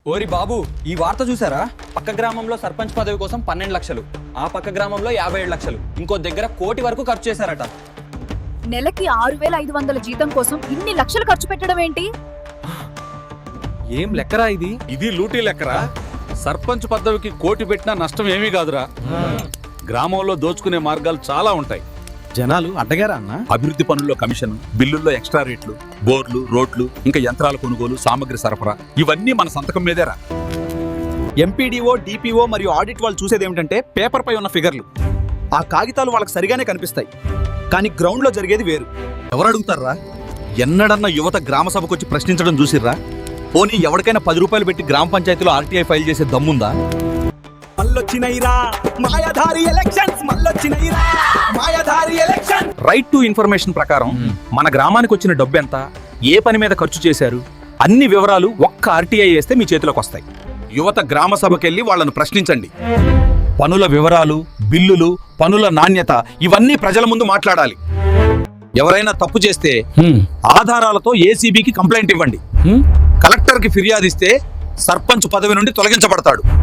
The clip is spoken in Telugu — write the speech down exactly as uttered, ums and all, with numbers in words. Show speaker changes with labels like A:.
A: ఓరి బాబు, ఈ వార్త చూసారా? పక్క గ్రామంలో సర్పంచ్ పదవి కోసం పన్నెండు లక్షలు, ఆ పక్క గ్రామంలో యాభై ఏడు లక్షలు, ఇంకో దగ్గర కోటి వరకు ఖర్చు చేశారట.
B: నెలకి ఆరు వేల ఐదు వందల జీతం కోసం ఇన్ని లక్షలు ఖర్చు పెట్టడం ఏంటి?
C: ఏం లెక్కరా ఇది?
D: ఇది లూటీ లెక్కరా? సర్పంచ్ పదవికి కోటి పెట్టినా నష్టం ఏమీ కాదురా. గ్రామంలో దోచుకునే మార్గాలు చాలా ఉంటాయి.
C: జనాలు అడ్డగారా అన్న?
D: అభివృద్ధి పనుల్లో కమిషన్, బిల్లుల్లో ఎక్స్ట్రా రేట్లు, బోర్లు, రోడ్లు, ఇంకా యంత్రాల కొనుగోలు, సామగ్రి సరఫరా, ఇవన్నీ మన సంతకం మీదేరా.
C: ఎంపీడీఓ, డిపిఓ మరియు ఆడిట్ వాళ్ళు చూసేది ఏమిటంటే పేపర్ పై ఉన్న ఫిగర్లు. ఆ కాగితాలు వాళ్ళకి సరిగానే కనిపిస్తాయి, కానీ గ్రౌండ్ లో జరిగేది వేరు.
D: ఎవరు అడుగుతారా? ఎన్నడన్నా యువత గ్రామ సభకు వచ్చి ప్రశ్నించడం చూసిర్రా? పోనీ ఎవరికైనా పది రూపాయలు పెట్టి గ్రామ పంచాయతీలో ఆర్టీఐ ఫైల్ చేసే దమ్ముందా?
C: మల్లొచ్చినైరా మాయాధారి ఎలక్షన్స్, మల్లొచ్చినైరా మాయాధారి ఎలక్షన్.
D: రైట్ టు ఇన్ఫర్మేషన్ ప్రకారం మన గ్రామానికి వచ్చిన డబ్బు ఎంత, ఏ పని మీద ఖర్చు చేశారు, అన్ని వివరాలు ఒక్క ఆర్టీఐ వేస్తే మీ చేతిలోకి వస్తాయి. యువత గ్రామ సభకెళ్ళి వాళ్ళను ప్రశ్నించండి. పనుల వివరాలు, బిల్లులు, పనుల నాణ్యత ఇవన్నీ ప్రజల ముందు మాట్లాడాలి. ఎవరైనా తప్పు చేస్తే ఆధారాలతో ఏసీబీకి కంప్లైంట్ ఇవ్వండి. కలెక్టర్కి ఫిర్యాదిస్తే సర్పంచ్ పదవి నుండి తొలగించబడతాడు.